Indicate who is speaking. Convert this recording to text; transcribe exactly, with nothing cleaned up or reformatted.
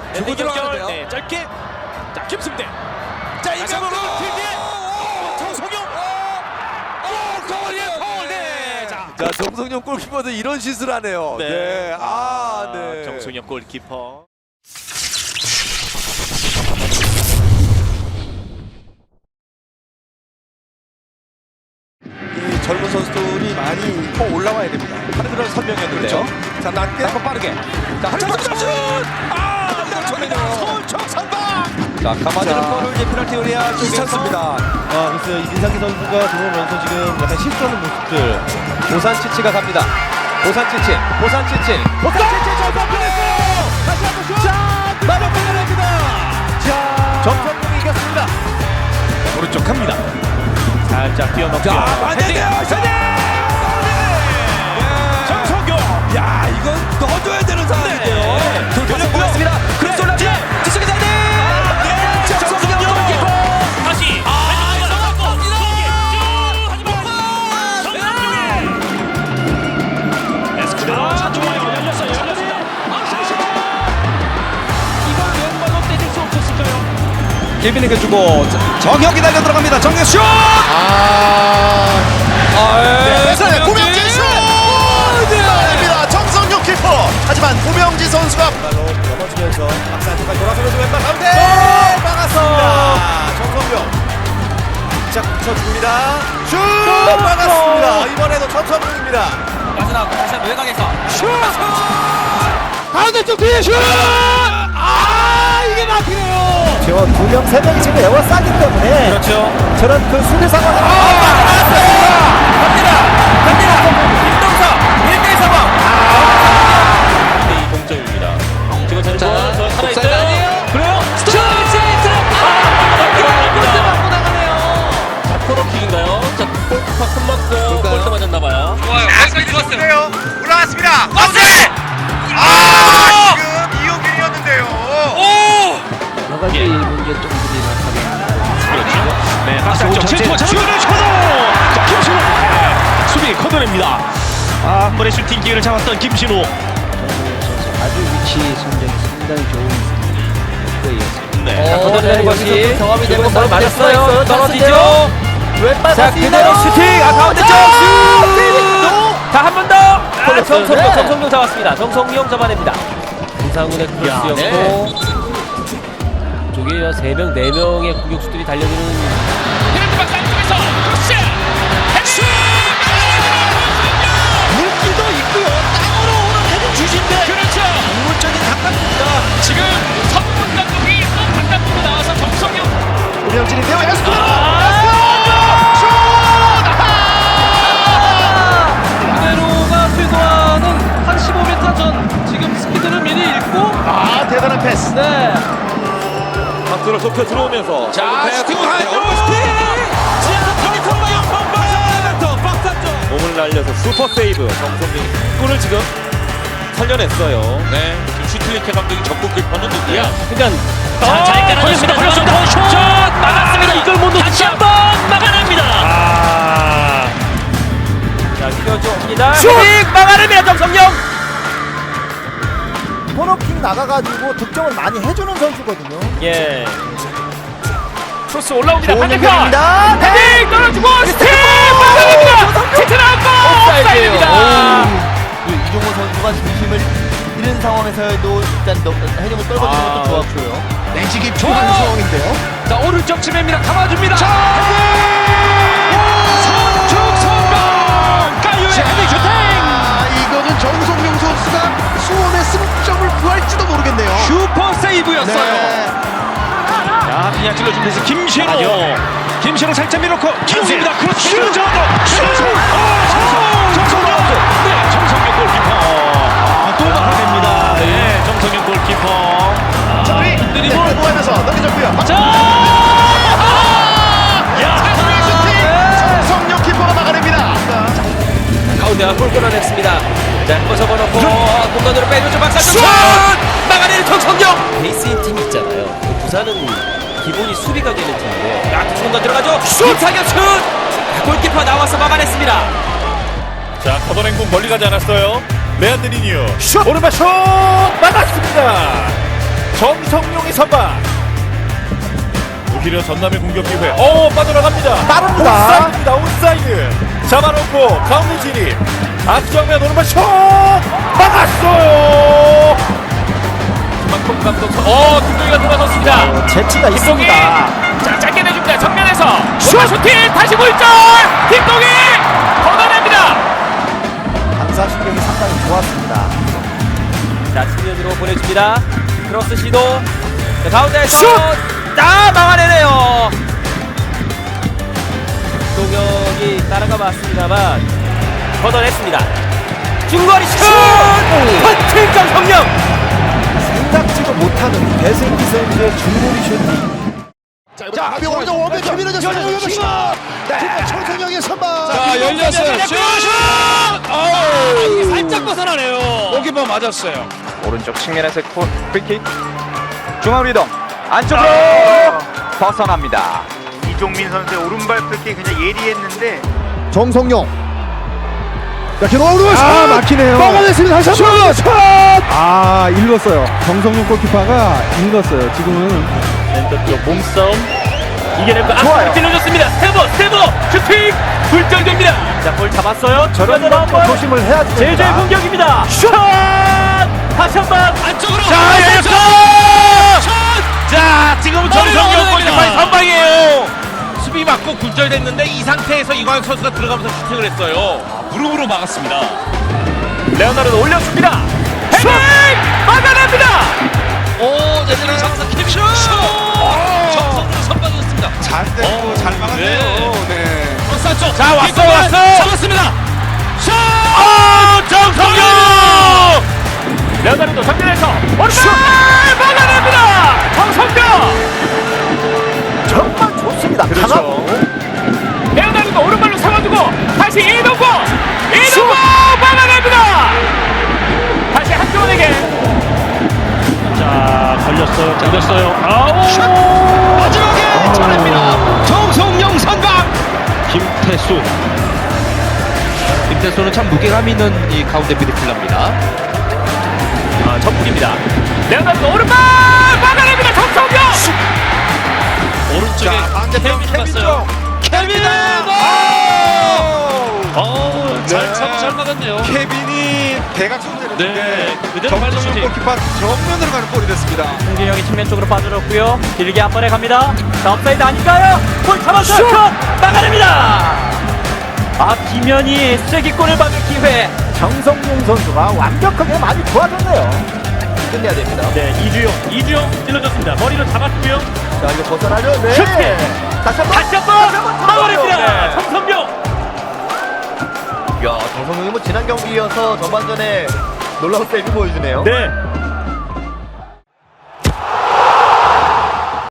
Speaker 1: 주고 들어가는데요.
Speaker 2: 네, 짧게. 자, 김승대.
Speaker 1: 자,
Speaker 2: 다시 한번
Speaker 1: 이명도
Speaker 2: 뒤에. 정성용. 오, 거리에 파울. 네. 자,
Speaker 1: 자, 정성용 골키퍼도 이런 슛을 하네요. 네.
Speaker 2: 네.
Speaker 1: 아, 네.
Speaker 2: 정성용 골키퍼.
Speaker 1: 이 젊은 선수들이 많이 더 올라와야 됩니다.
Speaker 2: 하는 그런 설명이었는데요.
Speaker 1: 그렇죠. 자, 낮게.
Speaker 2: 한번 빠르게. 자, 한 번 슛! 아, 남정입니다. 서울청 선방. 자, 가마드는
Speaker 1: 자,
Speaker 2: 볼을 이제 페널티 에리아 쪽에서
Speaker 1: 괜찮습니다.
Speaker 3: 아, 글쎄요. 이 민상기 선수가 들어오면서 지금 약간 실수하는 모습들.
Speaker 2: 보산치치가 갑니다. 보산치치, 보산치치, 보산치치 전방 보냈어요. 다시 한번 슛. 자, 마지막 페널티입니다. 자, 정성용이 이겼습니다. 오른쪽 갑니다. 살짝 뛰어넘겨.
Speaker 1: 자, 반대돼요.
Speaker 2: 헤딩! 정성용.
Speaker 1: 야, 이건 넣어줘야 되는 상황인데요.
Speaker 2: 네. 돌파서 보냈습니다. 그래서 올라지. 뒤쪽에 헤딩. 정성용 골키퍼.
Speaker 4: 다시 아 이거 하지만 에스쿠데로 차 좋아요. 열렸어요. 열렸습니다. 이걸 왼발로 때릴 수 없었을까요?
Speaker 2: 길빈에게 주고 정혁이 달려 들어갑니다. 정혁 슛!
Speaker 5: 아,
Speaker 2: 네,
Speaker 5: 네, 고명진 슛! 아닙니다. 정성용 키퍼. 하지만 고명진 선수가
Speaker 3: 발로 넘어지면서 박스 안쪽까지 돌아서면서 왼발 가운데
Speaker 2: 네,
Speaker 3: 막았습니다. 정성용 자 붙여줍니다. 슛 막았습니다. 이번에도 정성용입니다.
Speaker 4: 마지막 다시 한번 외곽에서
Speaker 2: 가운데 쪽 뒤에 슛! 아, 이게 막히네요.
Speaker 3: 제가 두 명, 세 명이 지금 에어가 싸기 때문에
Speaker 2: 그렇죠.
Speaker 3: 저런 그 수비 상황을
Speaker 4: 갑니다. 갑니다. 김동석 일 대 일 상황. 이 동점입니다. 지금 전번 저 하나 있어요. 그래요? 스톱! 세이트! 아, 골대 맞고 나가네요. 자, 코너킥인가요? 자, 골키퍼 손 맞고 골대 맞았나 봐요. 좋아요. 여기까지 들어왔어요.
Speaker 5: 올라왔습니다. 가운데! 아, 지금 이용균이었는데요.
Speaker 3: 여러 가지 문제점들이 나타납니다.
Speaker 4: 그렇죠. 네, 박스 안쪽 질투와 잡아주는 셔도! 자, 김신호! 네, 수비 커버냅니다. 아, 한 번의 슈팅 기회를 잡았던 김신호.
Speaker 3: 아주 위치 선정이 상당히 좋은 플레이였습니다.
Speaker 4: 네.
Speaker 2: 자, 걷어내는 것이
Speaker 4: 경험이
Speaker 2: 되면서
Speaker 4: 되면서
Speaker 2: 맞았어요.
Speaker 4: 맞았어요.
Speaker 2: 떨어지죠.
Speaker 3: 왼발
Speaker 2: 자, 그대로 슈팅! 아, 가운데 쪽 슛! 자, 한 번 더! 아, 정성용, 정성용 잡았습니다. 정성용 잡아냅니다. 이상훈의 크로스였고 저기 세 명, 네 명의 공격수들이 달려드는
Speaker 4: 페널티 박스 안쪽에서 크로스! 헤딩!
Speaker 5: 물기도 있고요. 땅으로 오는 헤딩 주신데
Speaker 4: 그렇죠.
Speaker 5: 물적인 감각입니다.
Speaker 4: 지금 선문 감독이 또 바깥으로 나와서 정성용
Speaker 5: 고명진인데요. 에스쿠데로!
Speaker 4: 그대로가 수도하는 한 십오 미터 전 지금 스피드를 미리 읽고
Speaker 5: 아, 대단한 패스.
Speaker 4: 네.
Speaker 2: 박수를 좁혀 들어오면서
Speaker 1: 자, 슈팅을 하죠.
Speaker 2: 몸을 날려서 슈퍼 세이브 정성민 골을 지금 살려냈어요.
Speaker 4: 네. 지금 슈틸리케 감독이 적극 급하는 누구야?
Speaker 2: 그러니까
Speaker 4: 자, 잘 깔아줬습니다. 걸렸습니다. 슛! 막았습니다. 이걸 못 놓치고 다시 한번 막아냅니다.
Speaker 2: 아, 자 뛰어줍니다. 슈팅 막아냅니다 정성영.
Speaker 3: 코너킥 나가가지고 득점을 많이 해주는 선수거든요.
Speaker 2: 예. 크로스 올라옵니다.
Speaker 3: 좋은
Speaker 2: 반대편.
Speaker 3: 연결입니다.
Speaker 2: 헤딩 떨어지고 슈팅 막아냅니다. 슈팅 나왔고 옵사이드입니다.
Speaker 3: 그 이종호 선수가 중심을 잃은 상황에서도 일단 너- 헤딩을 떨궈주는
Speaker 2: 아,
Speaker 3: 것도 좋았고요.
Speaker 5: 내지기 필요한 상황인데요.
Speaker 2: 자 오른쪽 치매입니다. 감아줍니다. 선축 성공. 가유의 헤딩 슈팅.
Speaker 5: 아, 이거는 정성용 선수가 수원의 승점을 구할지도 모르겠네요.
Speaker 2: 슈퍼 세이브였어요.
Speaker 5: 네.
Speaker 4: 자, 그냥 찔러주면서 김신호. 김신호 살짝 밀어놓고 김수입니다. 그렇죠. 정성용. 정성용. 네, 정성용 골키퍼. 아, 또 막아냅니다. 네, 정성용 골키퍼.
Speaker 5: 자, 우리
Speaker 4: 드리블.
Speaker 5: 공부하면서 넘겨줬고요.
Speaker 4: 자! 야!
Speaker 5: 자신의 슈팅! 정성용 키퍼가 막아냅니다.
Speaker 2: 가운데와 골 끌어냈습니다. 자, 벗어버놓고 공간으로 빼주죠. 박사 슛! 막아내는 정성영! 베이스인 팀이 있잖아요. 부산은 기본이 수비가 되는 팀인데 야, 두 공간 들어가죠. 슛! 사격 슛! 골키퍼 나와서 막아냈습니다.
Speaker 4: 자, 커버랭공 멀리 가지 않았어요. 레안드리니오.
Speaker 2: 슛! 오른발 슛! 막았습니다. 정
Speaker 4: 선방. 오히려 전남의 공격 기회. 오 빠져나갑니다.
Speaker 5: 빠릅니다.
Speaker 4: 온사이드입니다. 온사이드. 잡아놓고 가운데 진입. 악정면 오른발 슛 막았어요. 김만큼 감독 선. 어 김동희가 돌아섰습니다.
Speaker 3: 재치가
Speaker 4: 김동희
Speaker 3: 있습니다.
Speaker 4: 자 짧게 내줍니다. 정면에서 슛 슈팅 다시 물절. 김동희 걷어냅니다.
Speaker 3: 반사신경이 상당히 좋았습니다.
Speaker 2: 자, 측면으로 보내줍니다. 크로스 시도. 자, 가운데에서
Speaker 4: 슛!
Speaker 2: 아, 막아내네요. 동혁이 따라가 봤습니다만 걷어냈습니다. 중거리 슛! 퍼팅 정성령.
Speaker 3: 생각지도 못하는 배슬기 선수의 중거리 슈팅.
Speaker 5: 자, 가벼운 오른쪽 원백 김민호 선수 슛. 네, 정성영의 선방.
Speaker 1: 자, 열렸어요. 슛!
Speaker 4: 이게 살짝 벗어나네요.
Speaker 1: 고기버 맞았어요.
Speaker 6: 오른쪽 측면에서 코- 프리킥 중앙 이동 안쪽으로 벗어납니다.
Speaker 7: 이종민 선수의 오른발 프리킥 그냥 예리했는데
Speaker 5: 정성영. 자, 기노 오른발 슛. 아, 막히네요. 막아냈습니다. 다시 한번 슛.
Speaker 8: 아, 읽었어요. 정성용 골키퍼가 읽었어요. 지금은
Speaker 4: 센터 쪽 몸싸움 이겨내고 앞으로 찔러줬습니다. 스테버 스테버 슈팅 굴절됩니다. 자볼 잡았어요.
Speaker 3: 저런 거 조심을 해야지
Speaker 4: 제주의
Speaker 3: 됩니다.
Speaker 4: 공격입니다. 슛 다시 한번 안쪽으로
Speaker 1: 자, 열렸어!
Speaker 4: 자 지금은 정성경 골키퍼의 선방이에요.
Speaker 1: 수비 맞고 굴절됐는데 이 상태에서 이광현 선수가 들어가면서 슈팅을 했어요. 무릎으로 막았습니다.
Speaker 4: 레오나르도 올려줍니다. 헤딩 막아냅니다.
Speaker 1: 오, 제대로 장사 캡슛! 정성으로 선방이었습니다. 잘 됐고 잘 막았네요. 네. 쪽.
Speaker 4: 자 왔어 왔어
Speaker 1: 잡았습니다.
Speaker 4: 슛! 아 정성경 레오나르도 정면에서 오른발 막아냅니다. 정성경
Speaker 3: 정말 좋습니다. 강하고.
Speaker 4: 레오나르도 오른발로 세워주고 다시 이동국 이동국 막아냅니다. 다시 한조원에게 자 걸렸어요 걸렸어요 아우
Speaker 1: 마지막에 쳐냅니다. 정성영 선방.
Speaker 4: 김태수 김태수는 참 무게감 있는 이 가운데 미드필더입니다. 아 첫불입니다. 레오나르도 오른발 막아냅니다. 정성경 오른쪽에
Speaker 1: 반대편 케빈 쪽. 케빈!
Speaker 4: 어우 잘 참 잘 막았네요.
Speaker 1: 케빈이 대각선
Speaker 4: 네,
Speaker 1: 때렸는데
Speaker 4: 그대로
Speaker 1: 정성영
Speaker 4: 발리슈팅.
Speaker 1: 골키퍼 정면으로 가는 골이 됐습니다.
Speaker 4: 홍진영이 측면 쪽으로 빠져들었고요. 길게 한 번에 갑니다. 자, 업사이드 아닐까요? 골 잡았어요. 슛! 막아냅니다. 아, 김현이 쐐기골을 받을 기회.
Speaker 3: 정성용 선수가 완벽하게 많이 좋아졌네요. 끝내야 됩니다.
Speaker 4: 네, 이주용. 이주용 찔러줬습니다. 머리로 잡았고요.
Speaker 3: 자, 이거 벗어나려. 네.
Speaker 4: 슈팅!
Speaker 3: 다시 한번.
Speaker 4: 다시 한번 막아냅니다.
Speaker 3: 네.
Speaker 4: 정성경.
Speaker 3: 야, 정성용이 뭐 지난 경기여서 전반전에 놀라운 세이브 보여주네요.
Speaker 4: 네.